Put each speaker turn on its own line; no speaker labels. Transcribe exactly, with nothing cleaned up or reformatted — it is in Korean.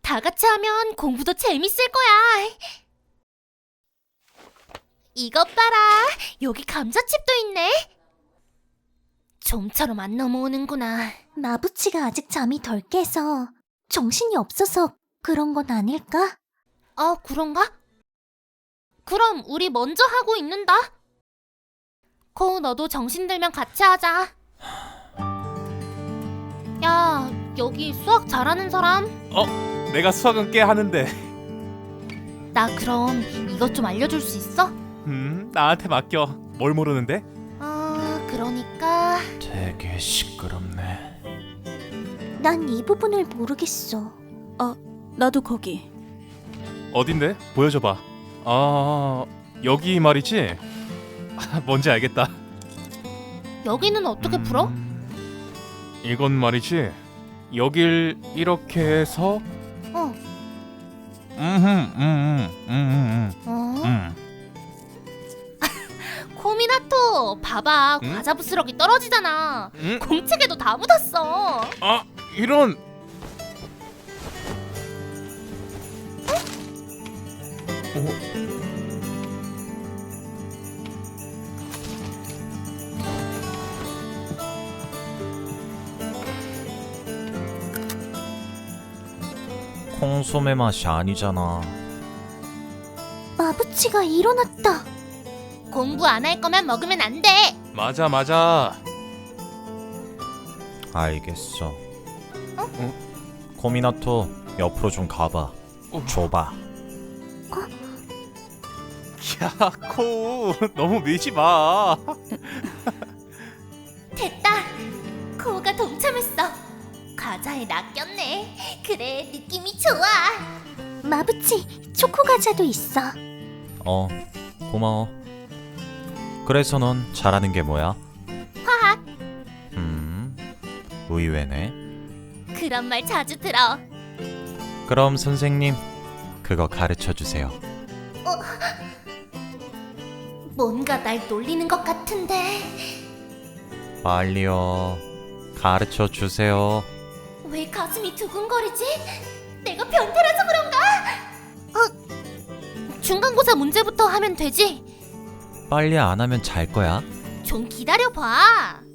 다 같이 하면 공부도 재밌을 거야. 이것 봐라. 여기 감자칩도 있네. 좀처럼 안 넘어오는구나.
마부치가 아직 잠이 덜 깨서 정신이 없어서 그런 건 아닐까?
아, 그런가? 그럼 우리 먼저 하고 있는다. 코우, 너도 정신 들면 같이 하자. 야, 여기 수학 잘하는 사람?
어? 내가 수학은 꽤 하는데.
나 그럼 이것 좀 알려줄 수 있어?
음, 나한테 맡겨. 뭘 모르는데?
아, 그러니까
되게 시끄럽네.
난 이 부분을 모르겠어.
나도 거기.
어딘데? 보여줘봐. 아, 여기 말이지? 아, 뭔지 알겠다.
여기는 어떻게
음,
풀어?
이건 말이지. 여길 이렇게 해서
어.
음흠, 음음, 음음,
어?
음.
코미나토, 봐봐.
응?
과자 부스러기 떨어지잖아.
음?
공책에도 다 묻었어.
아, 이런. 어?
콩소매 맛이 아니잖아.
마부치가 일어났다.
공부 안 할 거면 먹으면 안 돼.
맞아, 맞아.
알겠어. 코미나토, 옆으로 좀 가봐.
어.
줘봐.
야, 코, 너무 밀지 마.
됐다. 코우가 동참했어. 과자에 낚였네. 그래, 느낌이 좋아.
마부치, 초코 과자도 있어.
어, 고마워. 그래서 넌 잘하는 게 뭐야?
화학.
음, 의외네.
그런 말 자주 들어.
그럼 선생님, 그거 가르쳐 주세요.
뭔가 날 놀리는 것 같은데.
빨리요. 가르쳐 주세요.
왜 가슴이 두근거리지? 내가 변태라서 그런가? 어? 중간고사 문제부터 하면 되지?
빨리 안 하면 잘 거야.
좀 기다려봐.